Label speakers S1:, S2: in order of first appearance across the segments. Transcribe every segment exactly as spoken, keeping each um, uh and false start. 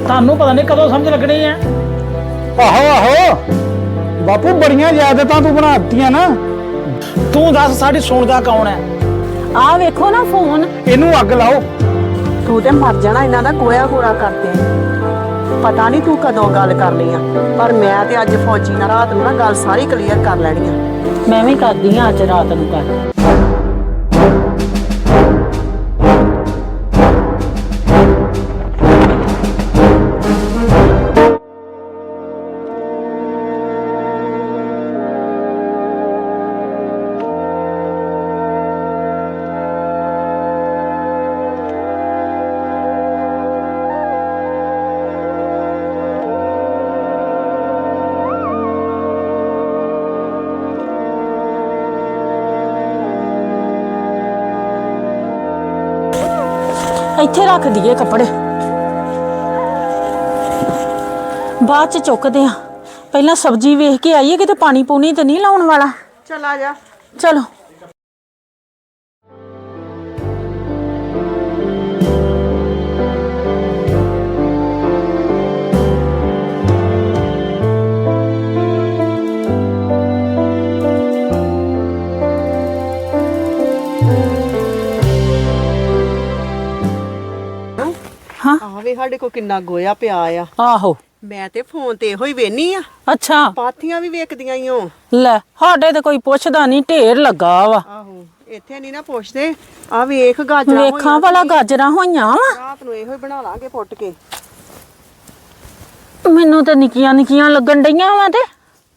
S1: ਤੁਹਾਨੂੰ ਪਤਾ ਨਹੀਂ ਕਦੋਂ ਸਮਝ ਲੱਗਣੀ ਹੈ।
S2: ਆਹੋ ਆਹੋ ਬਾਪੂ ਬੜੀਆਂ ਆਦਤਾਂ ਤੂੰ ਬਣਾ ਦਿੱਤੀਆਂ ਨਾ।
S1: ਤੂੰ ਦੱਸ ਸਾਡੀ ਸੁਣਦਾ ਕੌਣ ਹੈ?
S3: ਆ ਵੇਖੋ ਨਾ ਫੋਨ।
S2: ਇਹਨੂੰ ਅੱਗ ਲਾਓ।
S3: ਤੂੰ ਤੇ ਮਰ ਜਾਣਾ ਇਹਨਾਂ ਦਾ ਗੋਇਆ ਗੋੜਾ ਕਰਦੇ। ਪਤਾ ਨਹੀਂ ਤੂੰ ਕਦੋਂ ਗੱਲ ਕਰਨੀ ਆ, ਪਰ ਮੈਂ ਤੇ ਅੱਜ ਫੌਜੀ ਨਾਲ ਰਾਤ ਨੂੰ ਨਾ ਗੱਲ ਸਾਰੀ ਕਲੀਅਰ ਕਰ ਲੈਣੀ ਆ। ਮੈਂ ਵੀ ਕਰਦੀ ਆ ਅੱਜ ਰਾਤ ਨੂੰ ਗੱਲ। ਇੱਥੇ ਰੱਖ ਦਈਏ ਕੱਪੜੇ, ਬਾਅਦ ਚ ਚੁੱਕਦੇ ਆ। ਪਹਿਲਾਂ ਸਬਜ਼ੀ ਵੇਖ ਕੇ ਆਈਏ, ਕਿਤੇ ਪਾਣੀ ਪੂਣੀ ਤੇ ਨਹੀਂ ਲਾਉਣ ਵਾਲਾ।
S4: ਚਲ ਆ ਜਾ।
S3: ਚਲੋ
S4: ਆਹ ਵੇ ਸਾਡੇ ਕੋ ਕਿੰਨਾ ਗੋਇਆ ਪਿਆ ਆ।
S3: ਆਹੋ
S4: ਮੈਂ ਤੇ ਫੋਨ ਤੇ ਇਹੋ ਹੀ ਵੇਨੀ ਆ।
S3: ਅੱਛਾ
S4: ਪਾਥੀਆਂ ਵੀ ਵੇਖਦੀਆਂ ਹੀ ਹੋ।
S3: ਲੈ ਸਾਡੇ ਤੇ ਕੋਈ ਪੁੱਛਦਾ ਨਹੀਂ, ਢੇਰ ਲੱਗਾ ਵਾ।
S4: ਆਹੋ ਇੱਥੇ ਨਹੀਂ ਨਾ ਪੁੱਛਦੇ। ਆ ਵੇਖ ਗਾਜਰਾਂ
S3: ਵੇਖਾਂ ਵਾਲਾ ਗਾਜਰਾਂ ਹੋਈਆਂ ਵਾ।
S4: ਰਾਤ ਨੂੰ ਇਹੋ ਹੀ ਬਣਾ ਲਾਂਗੇ ਪੁੱਟ ਕੇ।
S3: ਮੈਨੂੰ ਤਾਂ ਨਿੱਕੀਆਂ ਨਿੱਕੀਆਂ ਲੱਗਣ ਡਈਆਂ ਵਾ। ਤੇ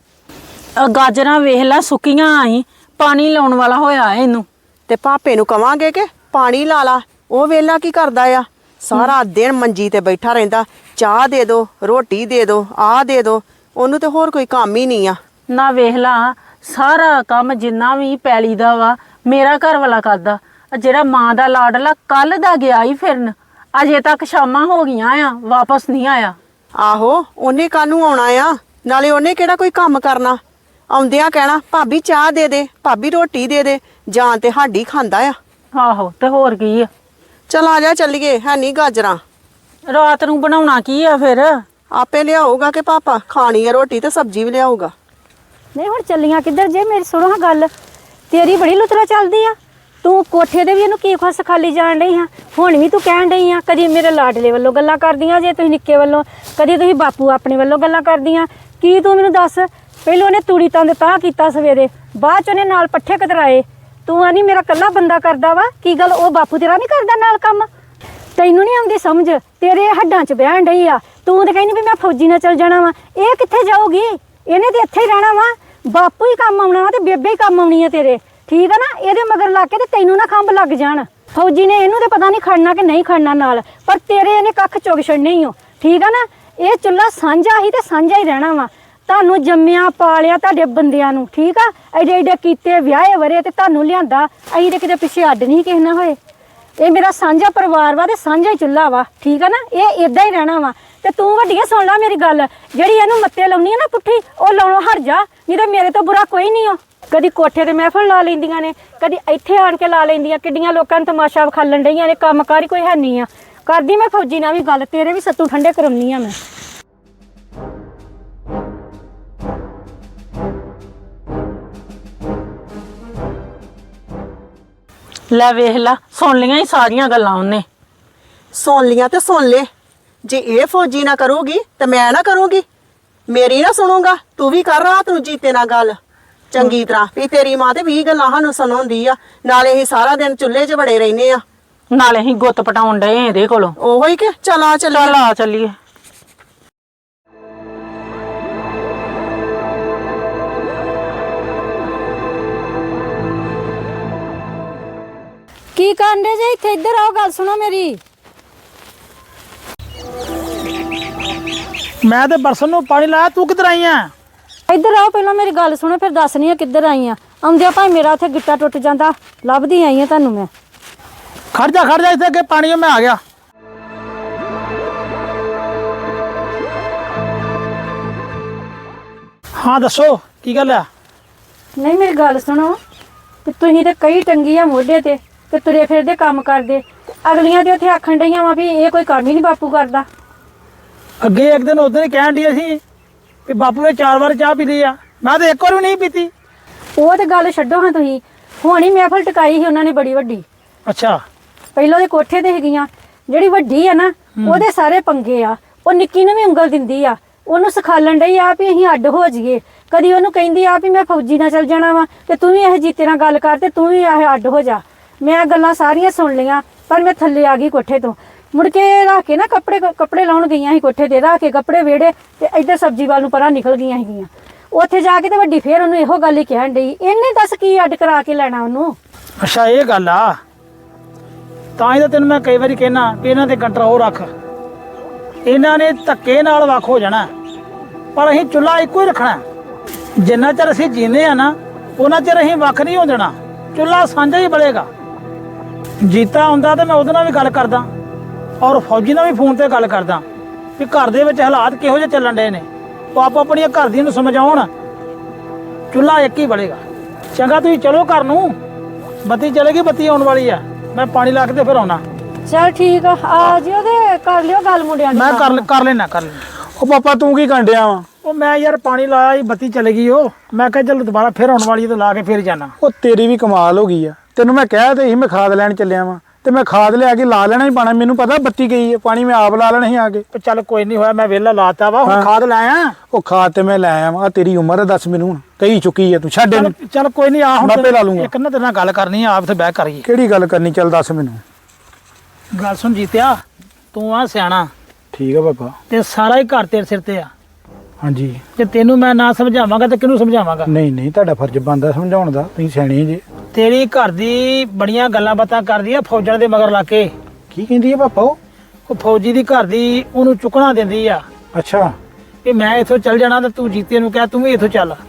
S3: ਗਾਜਰਾਂ ਵੇਖ ਲੈ ਸੁੱਕੀਆਂ ਆਈ, ਪਾਣੀ ਲਾਉਣ ਵਾਲਾ ਹੋਇਆ ਇਹਨੂੰ।
S4: ਤੇ ਪਾਪੇ ਨੂੰ ਕਵਾਂਗੇ ਕਿ ਪਾਣੀ ਲਾ ਲਾ। ਉਹ ਵੇਲਾ ਕੀ ਕਰਦਾ ਆ? ਸਾਰਾ ਦਿਨ ਮੰਜੀ ਤੇ ਬੈਠਾ ਰਹਿੰਦਾ। ਚਾਹ ਦੇ ਦੋ, ਰੋਟੀ ਦੇ ਦੋ, ਆਹ ਦੇ ਦੋ। ਉਹਨੂੰ ਤੇ ਹੋਰ ਕੋਈ ਕੰਮ ਹੀ ਨਹੀਂ ਆ।
S3: ਨਾ ਵੇਖ ਲਾ ਸਾਰਾ ਕੰਮ ਜਿੰਨਾ ਵੀ ਪੈਲੀ ਦਾ ਵਾ ਮੇਰਾ ਘਰ ਵਾਲਾ ਕਰਦਾ। ਜਿਹੜਾ ਮਾਂ ਦਾ ਲਾਡਲਾ ਕੱਲ ਦਾ ਗਿਆ ਹੀ ਫਿਰਨ, ਅਜੇ ਤੱਕ ਸ਼ਾਮਾਂ ਹੋ ਗਈਆਂ ਆ, ਵਾਪਸ ਨਹੀਂ ਆਇਆ।
S4: ਆਹੋ ਉਹਨੇ ਕਾਹਨੂੰ ਆਉਣਾ ਆ? ਨਾਲੇ ਉਹਨੇ ਕਿਹੜਾ ਕੋਈ ਕੰਮ ਕਰਨਾ? ਆਉਂਦਿਆਂ ਕਹਿਣਾ ਭਾਬੀ ਚਾਹ ਦੇ ਦੇ, ਭਾਬੀ ਰੋਟੀ ਦੇ ਦੇ। ਜਾਂ ਤੇ ਸਾਡੀ ਖਾਂਦਾ ਆ।
S3: ਆਹੋ ਤੇ ਹੋਰ ਕੀ ਆ।
S4: ਚਲ ਆ ਜਾ ਚੱਲੀਏ। ਹੈ ਨਹੀਂ ਗਾਜਰਾਂ।
S3: ਰਾਤ ਨੂੰ ਬਣਾਉਣਾ ਕੀ ਆ ਫਿਰ?
S4: ਆਪੇ ਲਿਆਊਗਾ ਕਿ ਪਾਪਾ ਖਾਣੀ ਆ ਰੋਟੀ ਤੇ ਸਬਜ਼ੀ ਵੀ ਲਿਆਊਗਾ।
S5: ਨਹੀਂ ਹੁਣ ਚੱਲੀਆਂ ਕਿੱਧਰ ਜੇ? ਮੇਰੀ ਸੁਣੋ ਹਾਂ ਗੱਲ। ਤੇਰੀ ਬੜੀ ਲੁਤਰਾ ਚੱਲਦੀ ਆ। ਤੂੰ ਕੋਠੇ ਦੇ ਵੀ ਇਹਨੂੰ ਕੀ ਖੁੱਸ ਖਾਲੀ ਜਾਣ ਡਈ ਹਾਂ। ਹੁਣ ਵੀ ਤੂੰ ਕਹਿਣ ਡਈ ਆ ਕਦੀ ਮੇਰੇ ਲਾਡਲੇ ਵੱਲੋਂ ਗੱਲਾਂ ਕਰਦੀਆਂ ਜੇ ਤੁਸੀਂ ਨਿੱਕੇ ਵੱਲੋਂ, ਕਦੀ ਤੁਸੀਂ ਬਾਪੂ ਆਪਣੇ ਵੱਲੋਂ ਗੱਲਾਂ ਕਰਦੀਆਂ। ਕੀ ਤੂੰ ਮੈਨੂੰ ਦੱਸ? ਪਹਿਲਾਂ ਉਹਨੇ ਤੂੜੀ ਤੰਦ ਤਾਂ ਕੀਤਾ ਸਵੇਰੇ, ਬਾਅਦ ਚ ਉਹਨੇ ਨਾਲ ਪੱਠੇ ਕਤਰਾਏ। ਤੂੰ ਆਨੀ ਮੇਰਾ ਕੱਲਾ ਬੰਦਾ ਕਰਦਾ ਵਾ। ਕੀ ਗੱਲ ਉਹ ਬਾਪੂ ਤੇਰਾ ਨਹੀਂ ਕਰਦਾ ਨਾਲ ਕੰਮ? ਤੈਨੂੰ ਨਹੀਂ ਆਉਂਦੀ ਸਮਝ? ਤੇਰੇ ਹੱਡਾਂ 'ਚ ਬਹਿਣ ਡਈ ਆ। ਤੂੰ ਤੇ ਕਹਿੰਦੀ ਵੀ ਮੈਂ ਫੌਜੀ ਨਾਲ ਚੱਲ ਜਾਣਾ ਵਾ। ਇਹ ਕਿੱਥੇ ਜਾਊਗੀ? ਇਹਨੇ ਤੇ ਇੱਥੇ ਹੀ ਰਹਿਣਾ ਵਾ। ਬਾਪੂ ਹੀ ਕੰਮ ਆਉਣਾ ਵਾ ਤੇ ਬੇਬੇ ਹੀ ਕੰਮ ਆਉਣੀ ਆ ਤੇਰੇ। ਠੀਕ ਆ ਨਾ? ਇਹਦੇ ਮਗਰ ਲੱਗ ਕੇ ਤੇ ਤੈਨੂੰ ਨਾ ਖੰਭ ਲੱਗ ਜਾਣ। ਫੌਜੀ ਨੇ ਇਹਨੂੰ ਤੇ ਪਤਾ ਨਹੀਂ ਖੜਨਾ ਕਿ ਨਹੀਂ ਖੜਨਾ ਨਾਲ, ਪਰ ਤੇਰੇ ਇਹਨੇ ਕੱਖ ਚੁੱਕ ਛੱਡਣੇ ਹੀ ਹੋ। ਠੀਕ ਆ ਨਾ? ਇਹ ਚੁੱਲ੍ਹਾ ਸਾਂਝਾ ਹੀ ਤੇ ਸਾਂਝਾ ਹੀ ਰਹਿਣਾ ਵਾ। ਤੁਹਾਨੂੰ ਜੰਮਿਆ ਪਾਲਿਆ ਤੁਹਾਡੇ ਬੰਦਿਆਂ ਨੂੰ। ਠੀਕ ਆ? ਐਡੇ ਐਡੇ ਕੀਤੇ ਵਿਆਹੇ ਵਰੇ ਤੇ ਤੁਹਾਨੂੰ ਲਿਆਂਦਾ। ਅਸੀਂ ਤੇ ਕਿਤੇ ਪਿੱਛੇ ਅੱਡ ਨਹੀਂ ਕਿਸੇ ਨਾਲ ਹੋਏ। ਇਹ ਮੇਰਾ ਸਾਂਝਾ ਪਰਿਵਾਰ ਵਾ ਤੇ ਸਾਂਝਾ ਹੀ ਚੁੱਲ੍ਹਾ ਵਾ। ਠੀਕ ਆ ਨਾ? ਇਹ ਇਦਾਂ ਹੀ ਰਹਿਣਾ ਵਾ। ਤੇ ਤੂੰ ਵੱਡੀਆਂ ਸੁਣ ਲੈ ਮੇਰੀ ਗੱਲ। ਜਿਹੜੀ ਇਹਨੂੰ ਮੱਤੇ ਲਾਉਣੀ ਆ ਨਾ ਪੁੱਠੀ, ਉਹ ਲਾਉਣੋਂ ਹਟ ਜਾ। ਨਹੀਂ ਤਾਂ ਮੇਰੇ ਤੋਂ ਬੁਰਾ ਕੋਈ ਨਹੀਂ ਆ। ਕਦੀ ਕੋਠੇ ਤੇ ਮਹਿਫਲ ਲਾ ਲੈਂਦੀਆਂ ਨੇ, ਕਦੀ ਇੱਥੇ ਆਣ ਕੇ ਲਾ ਲੈਂਦੀਆਂ। ਕਿੱਡੀਆਂ ਲੋਕਾਂ ਨੂੰ ਤਮਾਸ਼ਾ ਵਿਖਾਲਣ ਡਈਆਂ ਨੇ। ਕੰਮਕਾਰ ਹੀ ਕੋਈ ਹੈ ਨਹੀਂ ਆ। ਕਰਦੀ ਮੈਂ ਫੌਜੀ ਨਾਲ ਵੀ ਗੱਲ, ਤੇਰੇ ਵੀ ਸੱਤੂ ਠੰਡੇ ਕਰਾਉਣੀ ਆ ਮੈਂ।
S3: ਲੈ ਵੇਖ ਲਾ ਸੁਣ ਲੀਆਂ ਹੀ ਸਾਰੀਆਂ ਗੱਲਾਂ ਉਹਨੇ।
S4: ਸੁਣ ਲੀਆਂ ਤੇ ਸੁਣ ਲੈ। ਜੇ ਇਹ ਫੌਜੀ ਨਾ ਕਰੂਗੀ ਤੇ ਮੈਂ ਨਾ ਕਰੂੰਗੀ। ਮੇਰੀ ਨਾ ਸੁਣੂਗਾ ਤੂੰ ਵੀ ਕਰ ਰਾਤ ਨੂੰ ਜੀਤੇ ਨਾਲ ਗੱਲ ਚੰਗੀ ਤਰ੍ਹਾਂ ਵੀ ਤੇਰੀ ਮਾਂ ਤੇ ਵੀਹ ਗੱਲਾਂ ਸਾਨੂੰ ਸੁਣਾਉਂਦੀ ਆ। ਨਾਲੇ ਅਸੀਂ ਸਾਰਾ ਦਿਨ ਚੁੱਲ੍ਹੇ 'ਚ ਬੜੇ ਰਹਿੰਦੇ ਆ।
S3: ਨਾਲੇ ਅਸੀਂ ਗੁੱਤ ਪਟਾਉਣ ਡਏ ਇਹਦੇ ਕੋਲੋਂ।
S4: ਉਹੋ ਹੀ ਕਿ ਚੱਲ ਆ ਚੱਲੀਏ।
S3: ਚੱਲ ਆ ਚੱਲੀਏ।
S5: ਕੀ ਕਰਨ ਦੇ ਜੇ? ਇੱਥੇ ਇੱਧਰ ਆਓ, ਗੱਲ ਸੁਣੋ ਮੇਰੀ।
S1: ਮੈਂ ਤੇ ਬਰਸਨ ਨੂੰ ਪਾਣੀ ਲਾਇਆ, ਤੂੰ ਕਿੱਧਰ ਆਈ ਆ?
S5: ਇੱਧਰ ਆਓ ਪਹਿਲਾਂ ਮੇਰੀ ਗੱਲ ਸੁਣੋ, ਫਿਰ ਦੱਸਣੀ ਆ ਕਿੱਧਰ ਆਈ ਆ। ਆਉਂਦਿਆਂ ਭਾਵੇਂ ਮੇਰਾ ਉੱਥੇ ਗਿੱਟਾ ਟੁੱਟ ਜਾਂਦਾ, ਲੱਭਦੀ ਆਈ ਆ ਤੁਹਾਨੂੰ ਮੈਂ।
S1: ਖੜ ਜਾ ਖੜ ਜਾ ਇੱਥੇ ਅੱਗੇ ਪਾਣੀ, ਮੈਂ ਆ ਗਿਆ। ਹਾਂ ਦੱਸੋ ਕੀ ਗੱਲ ਆ?
S5: ਨਹੀਂ ਮੇਰੀ ਗੱਲ ਸੁਣੋ, ਤੇ ਤੁਸੀਂ ਤੇ ਕਈ ਟੰਗੀ ਆ ਮੋਢੇ ਤੇ ਤੇ ਤੁਰੇ ਫਿਰਦੇ ਕੰਮ ਕਰਦੇ। ਅਗਲੀਆਂ ਤੇ ਉੱਥੇ ਆਖਣ ਡਈਆਂ ਵਾ ਵੀ ਇਹ ਕੋਈ ਕੰਮ ਹੀ ਨਹੀਂ ਬਾਪੂ ਕਰਦਾ।
S1: ਅੱਗੇ ਇੱਕ ਦਿਨ ਉਦੋਂ ਹੀ ਕਹਿਣ ਦੀ ਸੀ ਵੀ ਬਾਪੂ ਨੇ ਚਾਰ ਵਾਰ ਚਾਹ ਪੀ ਲਈ ਆ, ਮੈਂ ਤਾਂ ਇੱਕ ਵਾਰ ਵੀ ਨਹੀਂ ਪੀਤੀ।
S5: ਉਹ ਤੇ ਗੱਲ ਛੱਡੋ ਹਾਂ ਤੁਸੀਂ, ਹੁਣ ਹੀ ਮਹਿਫਲ ਟਿਕਾਈ ਸੀ ਉਹਨਾਂ ਨੇ ਬੜੀ ਵੱਡੀ।
S1: ਅੱਛਾ।
S5: ਪਹਿਲਾਂ ਦੇ ਕੋਠੇ ਤੇ ਹੈਗੀਆਂ, ਜਿਹੜੀ ਵੱਡੀ ਆ ਨਾ ਉਹਦੇ ਸਾਰੇ ਪੰਗੇ ਆ। ਉਹ ਨਿੱਕੀ ਨੂੰ ਵੀ ਉਂਗਲ ਦਿੰਦੀ ਆ, ਉਹਨੂੰ ਸਿਖਾਲਣ ਡਈ ਆ ਵੀ ਅਸੀਂ ਅੱਡ ਹੋ ਜਾਈਏ। ਕਦੀ ਉਹਨੂੰ ਕਹਿੰਦੀ ਆ ਵੀ ਮੈਂ ਫੌਜੀ ਨਾਲ ਚੱਲ ਜਾਣਾ ਵਾ ਤੇ ਤੂੰ ਵੀ ਇਹ ਜੀਤੇ ਨਾਲ ਗੱਲ ਕਰ ਤੇ ਤੂੰ ਵੀ ਇਹ ਅੱਡ ਹੋ ਜਾ। ਮੈਂ ਗੱਲਾਂ ਸਾਰੀਆਂ ਸੁਣ ਲਈਆਂ, ਪਰ ਮੈਂ ਥੱਲੇ ਆ ਗਈ ਕੋਠੇ ਤੋਂ। ਮੁੜ ਕੇ ਰੱਖ ਕੇ ਨਾ ਕੱਪੜੇ ਕੱਪੜੇ ਲਾਉਣ ਗਈਆਂ ਸੀ ਕੋਠੇ ਤੇ, ਰੱਖ ਕੇ ਕੱਪੜੇ ਵਿਹੜੇ ਤੇ ਇੱਧਰ ਸਬਜ਼ੀ ਵੱਲ ਨੂੰ ਪਰਾਂ ਨਿਕਲ ਗਈਆਂ ਸੀਗੀਆਂ। ਉੱਥੇ ਜਾ ਕੇ ਤੇ ਵੱਡੀ ਫੇਰ ਉਹਨੂੰ ਇਹੋ ਗੱਲ ਹੀ ਕਹਿਣ ਡਈ, ਇਹਨੇ ਦੱਸ ਕੀ ਅੱਡ ਕਰਾ ਕੇ ਲੈਣਾ ਉਹਨੂੰ।
S1: ਅੱਛਾ ਇਹ ਗੱਲ ਆ, ਤਾਂ ਹੀ ਤਾਂ ਤੈਨੂੰ ਮੈਂ ਕਈ ਵਾਰੀ ਕਹਿਣਾ ਵੀ ਇਹਨਾਂ ਤੇ ਕੰਟਰੋਲ ਰੱਖ। ਇਹਨਾਂ ਨੇ ਧੱਕੇ ਨਾਲ ਵੱਖ ਹੋ ਜਾਣਾ, ਪਰ ਅਸੀਂ ਚੁੱਲ੍ਹਾ ਇੱਕੋ ਹੀ ਰੱਖਣਾ। ਜਿੰਨਾ ਚਿਰ ਅਸੀਂ ਜੀਂਦੇ ਆ ਨਾ ਉਹਨਾਂ ਚਿਰ ਅਸੀਂ ਵੱਖ ਨਹੀਂ ਹੋ ਜਾਣਾ, ਚੁੱਲ੍ਹਾ ਸਾਂਝਾ ਹੀ ਬਲੇਗਾ। ਜੀਤਾ ਹੁੰਦਾ ਤੇ ਮੈਂ ਉਹਦੇ ਨਾਲ ਵੀ ਗੱਲ ਕਰਦਾ, ਔਰ ਫੌਜੀ ਨਾਲ ਵੀ ਫੋਨ ਤੇ ਗੱਲ ਕਰਦਾ ਵੀ ਘਰ ਦੇ ਵਿੱਚ ਹਾਲਾਤ ਕਿਹੋ ਜਿਹੇ ਚੱਲਣ ਡਏ ਨੇ। ਉਹ ਆਪੋ ਆਪਣੀਆਂ ਘਰ ਦੀਆਂ ਨੂੰ ਸਮਝਾਉਣ, ਚੁੱਲ੍ਹਾ ਇੱਕ ਹੀ ਬਲੇਗਾ। ਚੰਗਾ ਤੁਸੀਂ ਚਲੋ ਘਰ ਨੂੰ, ਬੱਤੀ ਚਲੇਗੀ, ਬੱਤੀ ਆਉਣ ਵਾਲੀ ਆ। ਮੈਂ ਪਾਣੀ ਲਾ ਕੇ ਤੇ ਫਿਰ ਆਉਣਾ।
S5: ਚਲ ਠੀਕ ਆ, ਆ ਜਿਓ ਤੇ ਕਰ ਲਿਓ ਗੱਲ ਮੁੰਡਿਆਂ ਦੀ।
S1: ਮੈਂ ਕਰ ਕਰ ਲੈਣਾ ਕਰ ਲੈਣਾ।
S2: ਉਹ ਪਾਪਾ ਤੂੰ ਕੀ ਕੰਡਿਆ ਵਾ?
S1: ਉਹ ਮੈਂ ਯਾਰ ਪਾਣੀ ਲਾਇਆ ਸੀ, ਬੱਤੀ ਚਲੇ ਗਈ। ਉਹ ਮੈਂ ਕਿਹਾ ਚਲ ਦੁਬਾਰਾ ਫਿਰ ਆਉਣ ਵਾਲੀ ਤੇ ਲਾ ਕੇ ਫਿਰ ਜਾਣਾ।
S2: ਉਹ ਤੇਰੀ ਵੀ ਕਮਾਲ ਹੋ ਗਈ ਆ, ਤੈਨੂੰ ਮੈਂ ਕਹਿ ਤੇ ਸੀ ਮੈਂ ਖਾਦ ਲੈਣ ਚੱਲਿਆ ਵਾਂ ਤੇ ਮੈਂ ਖਾਦ ਲਿਆ ਕੇ ਲਾ ਲੈਣਾ ਹੀ ਪਾਣਾ। ਮੈਨੂੰ ਪਤਾ ਬੱਤੀ ਗਈ ਹੈ, ਪਾਣੀ ਮੈਂ ਆਪ ਲਾ ਲੈਣਾ ਸੀ ਆ ਕੇ।
S1: ਤੇ ਚੱਲ ਕੋਈ ਨਹੀਂ ਹੋਇਆ, ਮੈਂ ਵਿਹਲਾ ਲਾਤਾ ਵਾ, ਹੁਣ ਖਾਦ ਲਾਇਆ।
S2: ਉਹ ਖਾਦ ਤੇ ਮੈਂ ਲੈ ਆਇਆ ਵਾਂ। ਤੇਰੀ ਉਮਰ ਹੈ, ਦੱਸ ਮੈਨੂੰ ਹੁਣ ਕਹੀ ਚੁੱਕੀ ਆ ਤੂੰ, ਛੱਡ ਇਹਨੂੰ।
S1: ਚੱਲ ਕੋਈ ਨਹੀਂ, ਆ ਹੁਣ
S2: ਮੈਂ ਆਪੇ ਲਾ ਲੂੰਗਾ।
S1: ਇੱਕ ਨਾ ਤੇਰੇ ਨਾਲ ਗੱਲ ਕਰਨੀ ਆ, ਆਪ ਤੇ ਬਹਿ ਕਰੀਏ।
S2: ਕਿਹੜੀ ਗੱਲ ਕਰਨੀ, ਚੱਲ ਦੱਸ ਮੈਨੂੰ।
S1: ਗੱਲ ਸੁਣ ਜੀਤਿਆ, ਤੂੰ ਆ ਸਿਆਣਾ
S2: ਠੀਕ ਆ ਪਾਪਾ।
S1: ਤੇ ਸਾਰਾ ਹੀ ਘਰ ਤੇਰੇ ਸਿਰ ਤੇ ਆ।
S2: ਹਾਂਜੀ।
S1: ਜੇ ਤੈਨੂੰ ਮੈਂ ਨਾ ਸਮਝਾਵਾਂਗਾ ਤੇ ਕਿਹਨੂੰ ਸਮਝਾਵਾਂਗਾ?
S2: ਨਹੀਂ ਨਹੀਂ, ਤੁਹਾਡਾ ਫਰਜ਼ ਬਣਦਾ ਸਮਝਾਉਣ ਦਾ, ਤੁਸੀਂ ਸਿਆਣੇ ਜੇ।
S1: ਤੇਰੀ ਘਰ ਦੀ ਬੜੀਆਂ ਗੱਲਾਂ ਬਾਤਾਂ ਕਰਦੀ ਆ ਫੌਜਾਂ ਦੇ ਮਗਰ ਲਾ ਕੇ।
S2: ਕੀ ਕਹਿੰਦੀ ਆ ਪਾਪਾ ਉਹ?
S1: ਉਹ ਫੌਜੀ ਦੀ ਘਰ ਦੀ ਉਹਨੂੰ ਚੁੱਕਣਾ ਦਿੰਦੀ ਆ
S2: ਅੱਛਾ।
S1: ਕਿ ਮੈਂ ਇੱਥੋਂ ਚੱਲ ਜਾਣਾ ਤੇ ਤੂੰ ਜੀਤੇ ਨੂੰ ਕਹਿ ਤੂੰ ਵੀ ਇੱਥੋਂ ਚੱਲ,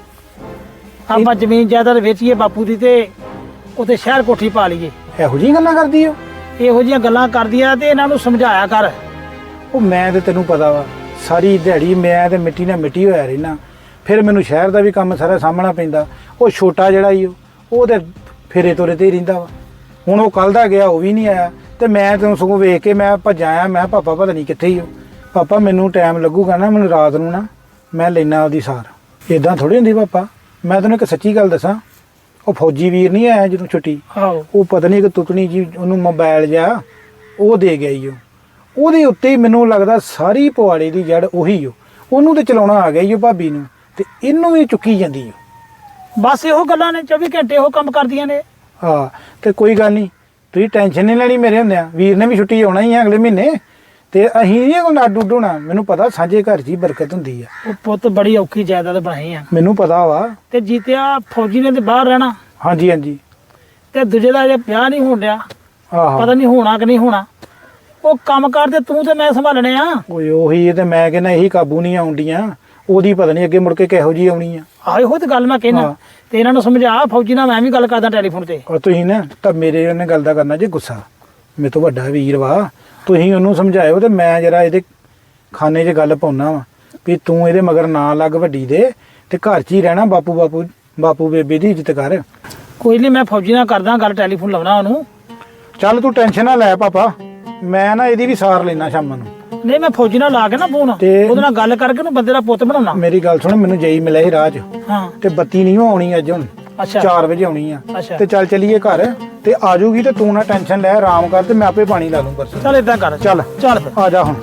S1: ਆਪਾਂ ਜ਼ਮੀਨ ਜਾਇਦਾਦ ਵੇਚੀਏ ਬਾਪੂ ਦੀ ਤੇ ਉੱਥੇ ਸ਼ਹਿਰ ਕੋਠੀ ਪਾ ਲਈਏ।
S2: ਇਹੋ ਜਿਹੀਆਂ ਗੱਲਾਂ ਕਰਦੀ ਆ?
S1: ਇਹੋ ਜਿਹੀਆਂ ਗੱਲਾਂ ਕਰਦੀ ਆ ਤੇ ਇਹਨਾਂ ਨੂੰ ਸਮਝਾਇਆ ਕਰ।
S2: ਉਹ ਮੈਂ ਤੇ ਤੈਨੂੰ ਪਤਾ ਵਾ, ਸਾਰੀ ਦਿਹਾੜੀ ਮੈਂ ਤੇ ਮਿੱਟੀ ਨਾਲ ਮਿੱਟੀ ਹੋਇਆ ਰਹਿਣਾ, ਫਿਰ ਮੈਨੂੰ ਸ਼ਹਿਰ ਦਾ ਵੀ ਕੰਮ ਸਾਰਾ ਸਾਹਮਣਾ ਪੈਂਦਾ। ਉਹ ਛੋਟਾ ਜਿਹੜਾ ਹੀ ਉਹ ਤੇ ਫੇਰੇ ਤੋਰੇ ਤੇ ਹੀ ਰਹਿੰਦਾ ਵਾ। ਹੁਣ ਉਹ ਕੱਲ ਦਾ ਗਿਆ, ਉਹ ਵੀ ਨਹੀਂ ਆਇਆ ਤੇ ਮੈਂ ਤੈਨੂੰ ਸਗੋਂ ਵੇਖ ਕੇ ਮੈਂ ਭੱਜਾ ਆਇਆ। ਮੈਂ ਪਾਪਾ ਪਤਾ ਨਹੀਂ ਕਿੱਥੇ ਹੀ ਉਹ। ਪਾਪਾ ਮੈਨੂੰ ਟਾਈਮ ਲੱਗੂਗਾ ਨਾ, ਮੈਨੂੰ ਰਾਤ ਨੂੰ ਨਾ ਮੈਂ ਲੈਣਾ ਉਹਦੀ ਸਾਰ। ਇਦਾਂ ਥੋੜੀ ਹੁੰਦੀ ਪਾਪਾ। ਮੈਂ ਤੈਨੂੰ ਇੱਕ ਸੱਚੀ ਗੱਲ ਦੱਸਾਂ, ਉਹ ਫੌਜੀ ਵੀਰ ਨਹੀਂ ਆਇਆ ਜਦੋਂ ਛੁੱਟੀ,
S1: ਆਹੋ
S2: ਉਹ ਪਤਾ ਨਹੀਂ ਕਿ ਤੁਤਣੀ ਜੀ ਉਹਨੂੰ ਮੋਬਾਈਲ ਜਾ ਉਹ ਦੇ ਗਿਆ ਈ। ਉਹ ਉਹਦੇ ਉੱਤੇ ਹੀ ਮੈਨੂੰ ਲੱਗਦਾ ਸਾਰੀ ਪਵਾੜੇ ਦੀ ਜੜ ਉਹੀ ਓ। ਉਹਨੂੰ ਤੇ ਚਲਾਉਣਾ ਆ ਗਿਆ ਈ ਉਹ ਭਾਬੀ ਨੂੰ, ਤੇ ਇਹਨੂੰ ਵੀ ਚੁੱਕੀ ਜਾਂਦੀ ਓ।
S1: ਬਸ ਇਹੋ ਗੱਲਾਂ ਨੇ, ਚੌਵੀ ਘੰਟੇ ਉਹ ਕੰਮ ਕਰਦੀਆਂ ਨੇ।
S2: ਹਾਂ ਤੇ ਕੋਈ ਗੱਲ ਨਹੀਂ, ਤੁਸੀਂ ਟੈਨਸ਼ਨ ਨਹੀਂ ਲੈਣੀ ਮੇਰੇ ਹੁੰਦਿਆਂ। ਵੀਰ ਨੇ ਵੀ ਛੁੱਟੀ ਆਉਣਾ ਹੀ ਆ ਅਗਲੇ ਮਹੀਨੇ, ਤੇ ਅਸੀਂ ਨਹੀਂ ਕੋਈ ਅੱਡ ਉੱਡ ਹੋਣਾ। ਮੈਨੂੰ ਪਤਾ ਸਾਂਝੇ ਘਰ 'ਚ ਹੀ ਬਰਕਤ ਹੁੰਦੀ ਆ।
S1: ਉਹ ਪੁੱਤ ਬੜੀ ਔਖੀ ਜਾਇਦਾਦ ਬਣਾਈ ਆ।
S2: ਮੈਨੂੰ ਪਤਾ ਵਾ।
S1: ਤੇ ਜੀਤਿਆ ਫੌਜੀ ਨੇ ਤੇ ਬਾਹਰ ਰਹਿਣਾ,
S2: ਹਾਂਜੀ ਹਾਂਜੀ।
S1: ਤੇ ਦੂਜੇ ਦਾ ਜੇ ਵਿਆਹ ਨਹੀਂ ਹੋਣ ਡਿਆ,
S2: ਆਹੋ।
S1: ਪਤਾ ਨਹੀਂ ਹੋਣਾ ਕਿ ਨਹੀਂ ਹੋਣਾ। ਉਹ ਕੰਮ ਕਰਦੇ ਤੂੰ ਤੇ ਮੈਂ ਸੰਭਾਲਣੇ ਆ।
S2: ਓਏ ਉਹੀ ਤੇ ਮੈਂ ਕਹਿੰਦਾ ਇਹੀ ਕਾਬੂ ਨਹੀਂ ਆਉਂਦੀਆਂ। ਉਹਦੀ ਪਤਾ ਨਹੀਂ ਅੱਗੇ ਮੁੜ ਕੇ ਕਿਹੋ ਜੀ ਆਉਣੀ ਆ।
S1: ਆਹ ਇਹੋ ਤੇ ਗੱਲ ਮੈਂ ਕਹਿਣਾ।
S2: ਹਾਂ।
S1: ਤੇ ਇਹਨਾਂ ਨੂੰ ਸਮਝਾ, ਫੌਜੀ ਨਾਲ ਮੈਂ ਵੀ ਗੱਲ ਕਰਦਾ ਟੈਲੀਫੋਨ ਤੇ।
S2: ਔਰ ਤੁਸੀਂ ਨਾ ਤਾਂ ਮੇਰੇ ਉਹਨੇ ਗੱਲ ਦਾ ਕਰਨਾ ਜੇ ਗੁੱਸਾ। ਮੇਰੇ ਤੋਂ ਵੱਡਾ ਵੀਰ ਵਾ, ਤੁਸੀਂ ਉਹਨੂੰ ਸਮਝਾਇਓ ਤੇ ਮੈਂ ਜਰਾ ਇਹਦੇ ਖਾਨੇ 'ਚ ਗੱਲ ਪਾਉਣਾ ਵਾ ਵੀ ਤੂੰ ਇਹਦੇ ਮਗਰ ਨਾ ਲੱਗ ਵੱਡੀ ਦੇ, ਤੇ ਘਰ 'ਚ ਹੀ ਰਹਿਣਾ। ਬਾਪੂ ਬਾਪੂ ਬਾਪੂ ਬੇਬੇ ਦੀ ਇੱਜ਼ਤ ਕਰ।
S1: ਕੋਈ ਨਹੀਂ, ਮੈਂ ਫੌਜੀ ਨਾਲ ਕਰਦਾ ਗੱਲ, ਟੈਲੀਫੋਨ ਲਾਉਣਾ ਉਹਨੂੰ।
S2: ਚੱਲ ਤੂੰ ਟੈਨਸ਼ਨ ਨਾ ਲੈ ਪਾਪਾ, ਮੈਂ ਨਾ ਇਹਦੀ ਵੀ ਸਾਰ ਲੈਣਾ ਸ਼ਾਮਾਂ ਨੂੰ।
S1: ਨਹੀਂ ਮੈਂ ਫੌਜੀ ਨਾਲ ਲਾ ਕੇ ਨਾ ਫੋਨ,
S2: ਤੇ-
S1: ਉਹਦੇ ਨਾਲ ਗੱਲ ਕਰਕੇ ਉਹਨੂੰ ਬੰਦੇ ਦਾ ਪੁੱਤ ਬਣਾਉਣਾ।
S2: ਮੇਰੀ ਗੱਲ ਸੁਣ, ਮੈਨੂੰ ਜਈ ਮਿਲਿਆ ਸੀ ਰਾਹ 'ਚ,
S1: ਹਾਂ
S2: ਤੇ ਬੱਤੀ ਨਹੀਂ ਆਉਣੀ ਅੱਜ। ਹੁਣ
S1: ਅੱਛਾ
S2: ਚਾਰ ਵਜੇ ਆਉਣੀ ਆ।
S1: ਅੱਛਾ।
S2: ਤੇ ਚੱਲ ਚੱਲੀਏ ਘਰ, ਤੇ ਆ ਜਾਊਗੀ ਤੇ ਤੂੰ ਨਾ ਟੈਨਸ਼ਨ ਲੈ, ਆਰਾਮ ਕਰ, ਤੇ ਮੈਂ ਆਪੇ ਪਾਣੀ ਲਾ ਲੂੰ ਪਰਸੋਂ।
S1: ਚੱਲ ਏਦਾਂ ਕਰ,
S2: ਚੱਲ
S1: ਚੱਲ ਫਿਰ।
S2: ਆ ਜਾ ਹੁਣ।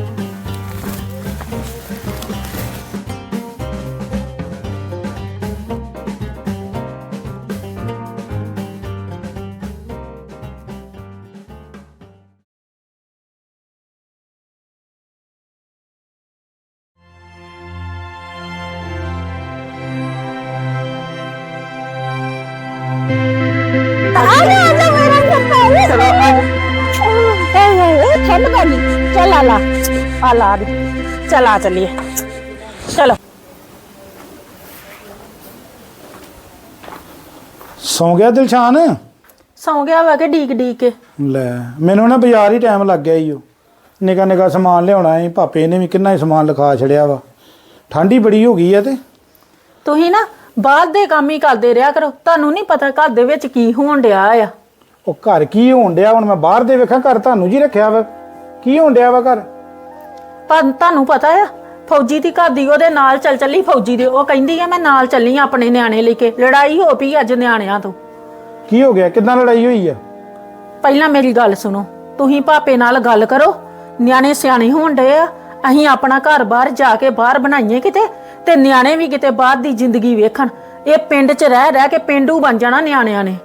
S3: ठंड पानी चल आला आला चल आ चलिए चलो।
S2: ਸੌਂ ਗਿਆ ਦਿਲਸ਼ਾਨ?
S4: ਸੌਂ ਗਿਆ ਵਾ ਕਿ ਡੀਕ ਡੀਕ ਕੇ।
S2: ਲੈ ਮੈਨੂੰ ਨਾ ਬਾਜ਼ਾਰ ਹੀ ਟਾਈਮ ਲੱਗ ਗਿਆ ਈ। ਉਹ ਨਿੱਕਾ ਨਿੱਕਾ ਸਮਾਨ ਲਿਆਉਣਾ ਸੀ, ਪਾਪੇ ਨੇ ਵੀ ਕਿੰਨਾ ਹੀ ਸਮਾਨ ਲਿਖਾ ਛੜਿਆ ਵਾ। ਠੰਡ ਹੀ ਬੜੀ ਹੋ ਗਈ ਆ। ਤੇ
S4: ਤੁਸੀਂ ਨਾ ਬਾਹਰ ਦੇ ਕੰਮ ਹੀ ਕਰਦੇ ਰਿਹਾ ਕਰੋ, ਤੁਹਾਨੂੰ ਨਹੀਂ ਪਤਾ ਘਰ ਦੇ ਵਿੱਚ ਕੀ ਹੋਣ ਡਿਆ ਆ।
S2: ਉਹ ਘਰ ਕੀ ਹੋਣ ਡਿਆ? ਹੁਣ ਮੈਂ ਬਾਹਰ ਦੇ ਵੇਖਾਂ, ਘਰ ਤੁਹਾਨੂੰ ਜੀ ਰੱਖਿਆ ਵਾ। ਕੀ ਹੋਣ ਡਿਆ ਵਾ ਘਰ?
S3: ਪਰ ਤੁਹਾਨੂੰ ਪਤਾ ਆ ਫੌਜੀ ਦੀ ਘਰ ਦੀ ਉਹਦੇ ਨਾਲ ਚੱਲ ਚੱਲੀ ਫੌਜੀ ਦੇ, ਉਹ ਕਹਿੰਦੀ ਆ ਮੈਂ ਨਾਲ ਚੱਲੀ ਆਂ ਆਪਣੇ ਨਿਆਣੇ ਲੈ ਕੇ। ਲੜਾਈ ਹੋ ਪਈ ਅੱਜ ਨਿਆਣਿਆਂ ਤੋਂ।
S2: ਕੀ ਹੋ ਗਿਆ? ਕਿੱਦਾਂ ਲੜਾਈ ਹੋਈ ਆ?
S3: ਪਹਿਲਾਂ ਮੇਰੀ ਗੱਲ ਸੁਣੋ, ਤੁਸੀਂ ਭਾਪੇ ਨਾਲ ਗੱਲ ਕਰੋ। ਨਿਆਣੇ ਸਿਆਣੇ ਹੋਣ ਡਏ ਆ, ਅਸੀਂ ਆਪਣਾ ਘਰ ਬਾਹਰ ਜਾ ਕੇ ਬਾਹਰ ਬਣਾਈਏ ਕਿਤੇ, ਤੇ ਨਿਆਣੇ ਵੀ ਕਿਤੇ ਬਾਹਰ ਦੀ ਜ਼ਿੰਦਗੀ ਵੇਖਣ। ਇਹ ਪਿੰਡ ਚ ਰਹਿ ਰਹਿ ਕੇ ਪਿੰਡੂ ਬਣ ਜਾਣਾ ਨਿਆਣਿਆਂ ਨੇ।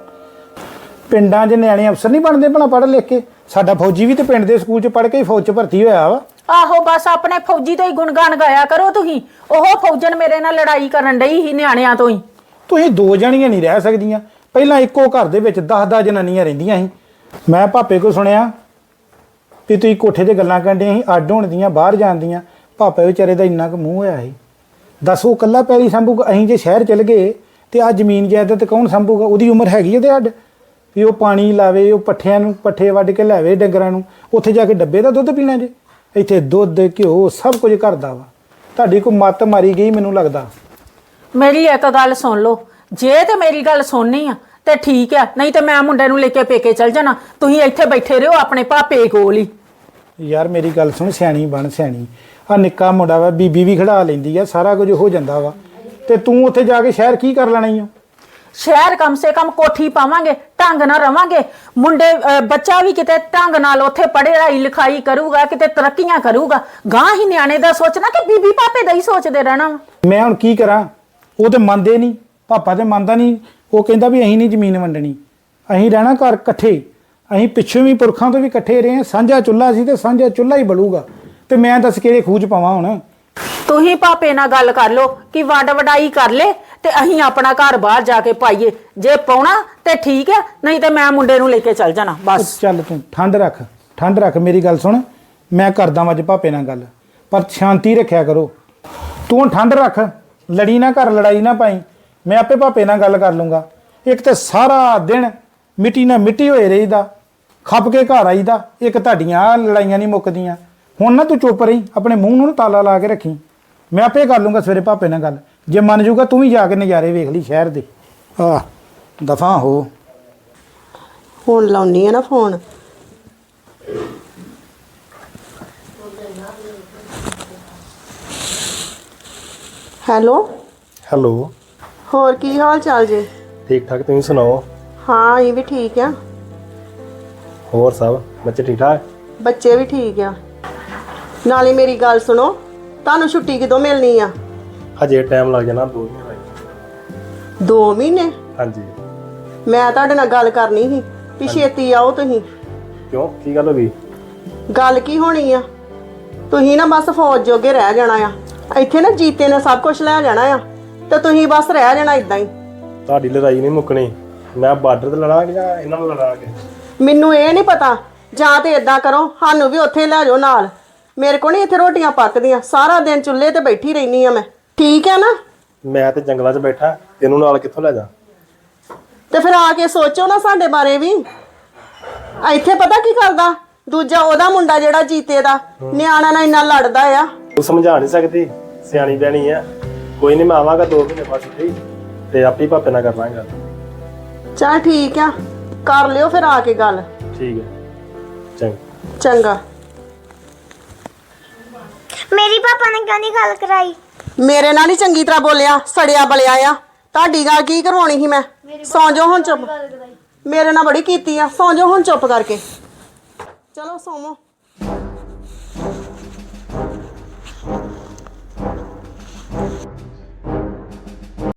S2: ਪਿੰਡਾਂ 'ਚ ਨਿਆਣੇ ਅਫਸਰ ਨਹੀਂ ਬਣਦੇ ਭਲਾ ਪੜ੍ਹ ਲਿਖ ਕੇ? ਸਾਡਾ ਫੌਜੀ ਵੀ ਤੇ ਪਿੰਡ ਦੇ ਸਕੂਲ 'ਚ ਪੜ੍ਹ ਕੇ ਹੀ ਫੌਜ 'ਚ ਭਰਤੀ ਹੋਇਆ ਵਾ।
S3: ਆਹੋ ਬਸ ਆਪਣੇ ਫੌਜੀ ਤੋਂ ਹੀ ਗੁਣਗਾਨ ਗਾਇਆ ਕਰੋ ਤੁਸੀਂ। ਉਹ ਫੌਜਣ ਮੇਰੇ ਨਾਲ ਲੜਾਈ ਕਰਨ ਡਈ ਸੀ ਨਿਆਣਿਆਂ ਤੋਂ ਹੀ।
S2: ਤੁਸੀਂ ਦੋ ਜਣੀਆਂ ਨਹੀਂ ਰਹਿ ਸਕਦੀਆਂ। ਪਹਿਲਾਂ ਇੱਕੋ ਘਰ ਦੇ ਵਿੱਚ ਦਸ ਦਸ ਜਨਾਨੀਆਂ ਰਹਿੰਦੀਆਂ ਸੀ। ਮੈਂ ਭਾਪੇ ਕੋਲ ਸੁਣਿਆ ਵੀ ਤੁਸੀਂ ਕੋਠੇ 'ਤੇ ਗੱਲਾਂ ਕਰਦੀਆਂ ਸੀ ਅੱਡ ਹੋਣ ਦੀਆਂ, ਬਾਹਰ ਜਾਣ ਦੀਆਂ। ਭਾਪੇ ਵਿਚਾਰੇ ਦਾ ਇੰਨਾ ਕੁ ਮੂੰਹ ਹੋਇਆ ਸੀ। ਦੱਸ ਉਹ ਇਕੱਲਾ ਪੈਲੀ ਸੰਭੂਗਾ? ਅਸੀਂ ਜੇ ਸ਼ਹਿਰ ਚਲ ਗਏ ਤੇ ਆ ਜ਼ਮੀਨ ਜਾਇਦਾਦ ਕੌਣ ਸੰਭੂਗਾ? ਉਹਦੀ ਉਮਰ ਹੈਗੀ ਉਹਦੇ ਅੱਡ ਵੀ ਉਹ ਪਾਣੀ ਲਾਵੇ, ਉਹ ਪੱਠਿਆਂ ਨੂੰ ਪੱਠੇ ਵੱਢ ਕੇ ਲਿਆਵੇ ਡੰਗਰਾਂ ਨੂੰ, ਉੱਥੇ ਜਾ ਕੇ ਡੱਬੇ ਦਾ ਦੁੱਧ ਪੀਣਾ ਜੇ। ਇੱਥੇ ਦੁੱਧ ਘਿਓ ਸਭ ਕੁਝ ਕਰਦਾ ਵਾ। ਤੁਹਾਡੀ ਕੋਈ ਮੱਤ ਮਾਰੀ ਗਈ ਮੈਨੂੰ ਲੱਗਦਾ।
S3: ਮੇਰੀ ਇੱਕ ਗੱਲ ਸੁਣ ਲਓ, ਜੇ ਤੇ ਮੇਰੀ ਗੱਲ ਸੁਣਨੀ ਆ ਤੇ ਠੀਕ ਆ, ਨਹੀਂ ਤੇ ਮੈਂ ਮੁੰਡੇ ਨੂੰ ਲੈ ਕੇ ਪੇਕੇ ਚਲ ਜਾਣਾ। ਤੁਸੀਂ ਇੱਥੇ ਬੈਠੇ ਰਹੋ ਆਪਣੇ ਭਾਪੇ ਕੋਲ ਹੀ।
S2: ਯਾਰ ਮੇਰੀ ਗੱਲ ਸੁਣ, ਸਿਆਣੀ ਬਣ ਸਿਆਣੀ। ਆ ਨਿੱਕਾ ਮੁੰਡਾ ਵਾ, ਬੀਬੀ ਵੀ ਖੜਾ ਲੈਂਦੀ ਆ, ਸਾਰਾ ਕੁਝ ਹੋ ਜਾਂਦਾ ਵਾ। ਤੇ ਤੂੰ ਉੱਥੇ ਜਾ ਕੇ ਸ਼ਹਿਰ ਕੀ ਕਰ ਲੈਣਾ ਈ ਓ?
S3: ਸ਼ਹਿਰ ਕਮ ਸੇ ਕਮ ਕੋਠੀ ਪਾਵਾਂਗੇ, ਢੰਗ ਨਾਲ ਰਵਾਂਗੇ। ਮੁੰਡੇ ਅਹ ਬੱਚਾ ਵੀ ਕਿਤੇ ਢੰਗ ਨਾਲ ਉੱਥੇ ਪੜ੍ਹਾਈ ਲਿਖਾਈ ਕਰੂਗਾ, ਕਿਤੇ ਤਰੱਕੀਆਂ ਕਰੂਗਾ। ਗਾਂ ਹੀ ਨਿਆਣੇ ਦਾ ਸੋਚਣਾ ਕਿ ਬੀਬੀ ਪਾਪੇ ਦਾ ਹੀ ਸੋਚਦੇ ਰਹਿਣਾ ਵਾ।
S2: ਮੈਂ ਹੁਣ ਕੀ ਕਰਾਂ? ਉਹ ਤੇ ਮੰਨਦੇ ਨਹੀਂ, ਪਾਪਾ ਤੇ ਮੰਨਦਾ ਨਹੀਂ। ਉਹ ਕਹਿੰਦਾ ਵੀ ਅਸੀਂ ਨਹੀਂ ਜ਼ਮੀਨ ਵੰਡਣੀ, ਅਸੀਂ ਰਹਿਣਾ ਘਰ ਇਕੱਠੇ। ਅਸੀਂ ਪਿੱਛੋਂ ਵੀ ਪੁਰਖਾਂ ਤੋਂ ਵੀ ਇਕੱਠੇ ਰਹੇ ਹਾਂ। ਸਾਂਝਾ ਚੁੱਲ੍ਹਾ ਸੀ ਤੇ ਸਾਂਝਾ ਚੁੱਲ੍ਹਾ ਹੀ ਬਲੂਗਾ। ਤੇ ਮੈਂ ਦੱਸ ਕਿਹੜੇ ਖੂਹ 'ਚ ਪਾਵਾਂ ਹੁਣ?
S3: ਤੁਸੀਂ ਭਾਪੇ ਨਾਲ ਗੱਲ ਕਰ ਲਓ ਕਿ ਵੰਡ ਵਡਾਈ ਕਰ ਲੈ ਤੇ ਅਸੀਂ ਆਪਣਾ ਘਰ ਬਾਹਰ ਜਾ ਕੇ ਪਾਈਏ। ਜੇ ਪਾਉਣਾ ਤੇ ਠੀਕ ਹੈ, ਨਹੀਂ ਤੇ ਮੈਂ ਮੁੰਡੇ ਨੂੰ ਲੈ ਕੇ ਚੱਲ ਜਾਣਾ ਬਸ।
S2: ਚੱਲ ਤੂੰ ਠੰਡ ਰੱਖ, ਠੰਡ ਰੱਖ। ਮੇਰੀ ਗੱਲ ਸੁਣ, ਮੈਂ ਕਰਦਾ ਵਾਂ ਅੱਜ ਭਾਪੇ ਨਾਲ ਗੱਲ, ਪਰ ਸ਼ਾਂਤੀ ਰੱਖਿਆ ਕਰੋ। ਤੂੰ ਠੰਡ ਰੱਖ, ਲੜੀ ਨਾ ਕਰ, ਲੜਾਈ ਨਾ ਪਾਈ। ਮੈਂ ਆਪੇ ਭਾਪੇ ਨਾਲ ਗੱਲ ਕਰ ਲੂੰਗਾ। ਇੱਕ ਤੇ ਸਾਰਾ ਦਿਨ ਮਿੱਟੀ ਨਾਲ ਮਿੱਟੀ ਹੋਏ ਰਹੀਦਾ, ਖੱਪ ਕੇ ਘਰ ਆਈਦਾ। ਇੱਕ ਤੁਹਾਡੀਆਂ ਲੜਾਈਆਂ ਨਹੀਂ ਮੁੱਕਦੀਆਂ। ਹੁਣ ਨਾ ਤੂੰ ਚੁੱਪ ਰਹੀ, ਆਪਣੇ ਮੂੰਹ ਨੂੰ ਤਾਲਾ ਲਾ ਕੇ ਰੱਖੀ। ਮੈਂ ਆਪੇ ਕਰ ਲੂੰਗਾ ਸਵੇਰੇ ਭਾਪੇ ਨਾਲ ਗੱਲ। ਜੇ ਮੰਨ ਜੂਗਾ ਤੂੰ ਵੀ ਜਾ ਕੇ ਨਜ਼ਾਰੇ ਵੇਖ ਲਈ ਸ਼ਹਿਰ ਦੇ। ਆਹ ਦਫਾ ਹੋ।
S4: ਹੁਣ ਲਾਉਣੀ ਆ ਨਾ ਫੋਨ। ਹੈਲੋ
S6: ਹੈਲੋ,
S4: ਹੋਰ ਕੀ ਹਾਲ ਚਾਲ ਜੇ?
S6: ਠੀਕ ਠਾਕ, ਤੁਸੀਂ ਸੁਣਾਓ?
S4: ਹਾਂ ਇਹ ਵੀ ਠੀਕ ਆ।
S6: ਹੋਰ ਸਭ ਬੱਚੇ ਠੀਕ ਠਾਕ?
S4: ਬੱਚੇ ਵੀ ਠੀਕ ਆ। ਨਾਲੇ ਮੇਰੀ ਗੱਲ ਸੁਣੋ, ਤੁਹਾਨੂੰ ਛੁੱਟੀ ਕਦੋਂ ਮਿਲਣੀ ਆ?
S6: ਹਜੇ ਟਾਈਮ ਲੱਗ ਜਾਣਾ, ਦੋ ਮਹੀਨੇ ਲੱਗ
S4: ਦੋ ਮਹੀਨੇ?
S6: ਹਾਂਜੀ।
S4: ਮੈਂ ਤੁਹਾਡੇ ਨਾਲ ਗੱਲ ਕਰਨੀ ਸੀ ਵੀ ਛੇਤੀ ਆਓ ਤੁਸੀਂ।
S6: ਕਿਉਂ, ਕੀ ਗੱਲ ਹੋ ਗਈ?
S4: ਗੱਲ ਕੀ ਹੋਣੀ ਆ, ਤੁਸੀਂ ਨਾ ਬਸ ਫੌਜ ਜੋਗੇ ਰਹਿ ਜਾਣਾ ਆ। ਇੱਥੇ ਨਾ ਜੀਤੇ ਨੇ ਸਭ ਕੁਝ ਲੈ ਜਾਣਾ ਆ ਤੇ ਤੁਸੀਂ ਬਸ ਰਹਿ ਜਾਣਾ ਇਦਾਂ ਹੀ।
S6: ਤੁਹਾਡੀ ਲੜਾਈ ਨਹੀਂ ਮੁੱਕਣੀ। ਮੈਂ ਬਾਰਡਰ ਤੇ ਲੜਾਂਗੇ ਜਾਂ ਇਹਨਾਂ ਨੂੰ ਲੜਾਂਗੇ?
S4: ਮੈਨੂੰ ਇਹ ਨਹੀਂ ਪਤਾ। ਜਾਂ ਤੇ ਇਦਾਂ ਕਰੋ, ਸਾਨੂੰ ਵੀ ਉੱਥੇ ਲੈ ਜਾਓ ਨਾਲ। ਮੇਰੇ ਕੋਲ ਨਹੀਂ ਇੱਥੇ ਰੋਟੀਆਂ ਪੱਕਦੀਆਂ, ਸਾਰਾ ਦਿਨ ਚੁੱਲ੍ਹੇ ਤੇ ਬੈਠੀ ਰਹਿਨੀ ਆ ਮੈਂ। ਠੀਕ ਹੈ ਨਾ?
S6: ਮੈਂ ਤੇ ਜੰਗਲਾਂ 'ਚ ਬੈਠਾ, ਤੈਨੂੰ ਨਾਲ ਕਿੱਥੋਂ ਲੈ ਜਾ?
S4: ਤੇ ਫਿਰ ਆ ਕੇ ਸੋਚੋ ਨਾ ਸਾਡੇ ਬਾਰੇ ਵੀ। ਇੱਥੇ ਪਤਾ ਕੀ ਕਰਦਾ ਦੂਜਾ, ਉਹਦਾ ਮੁੰਡਾ ਜਿਹੜਾ ਜੀਤੇ ਦਾ, ਨਿਆਣਾ ਨਾਲ ਇੰਨਾ ਲੜਦਾ ਆ।
S6: ਤੂੰ ਸਮਝਾ ਨਹੀਂ ਸਕਦੀ, ਸਿਆਣੀ ਬਹਿਣੀ ਆ। ਕੋਈ ਨਹੀਂ, ਮੈਂ ਆਵਾਂਗਾ ਦੋ ਮਹੀਨੇ ਬਾਅਦ ਛੁੱਟੀ ਤੇ ਆਪੇ ਭਾਪੇ ਨਾਲ ਕਰ ਲਾਂਗਾ।
S4: ਚੱਲ ਠੀਕ ਆ, ਕਰ ਲਿਓ ਫਿਰ ਆ ਕੇ ਗੱਲ।
S6: ਠੀਕ ਹੈ, ਚੰਗਾ।
S4: ਚੰਗਾ।
S7: ਮੇਰੀ ਪਾਪਾ ਨੇ ਕਿਉਂ ਨਹੀਂ ਗੱਲ ਕਰਾਈ?
S4: ਮੇਰੇ ਨਾਲ ਹੀ ਚੰਗੀ ਤਰ੍ਹਾਂ ਬੋਲਿਆ, ਸੜਿਆ ਬਲਿਆ ਆ। ਤੁਹਾਡੀ ਗੱਲ ਕੀ ਕਰਵਾਉਣੀ ਸੀ ਮੈਂ? ਸੌਂ ਜਾਓ ਹੁਣ ਚੁੱਪ। ਮੇਰੇ ਨਾਲ ਬੜੀ ਕੀਤੀ ਆ, ਸੌਂ ਜਾਓ ਹੁਣ ਚੁੱਪ ਕਰਕੇ। ਚਲੋ ਸੌਵੋ।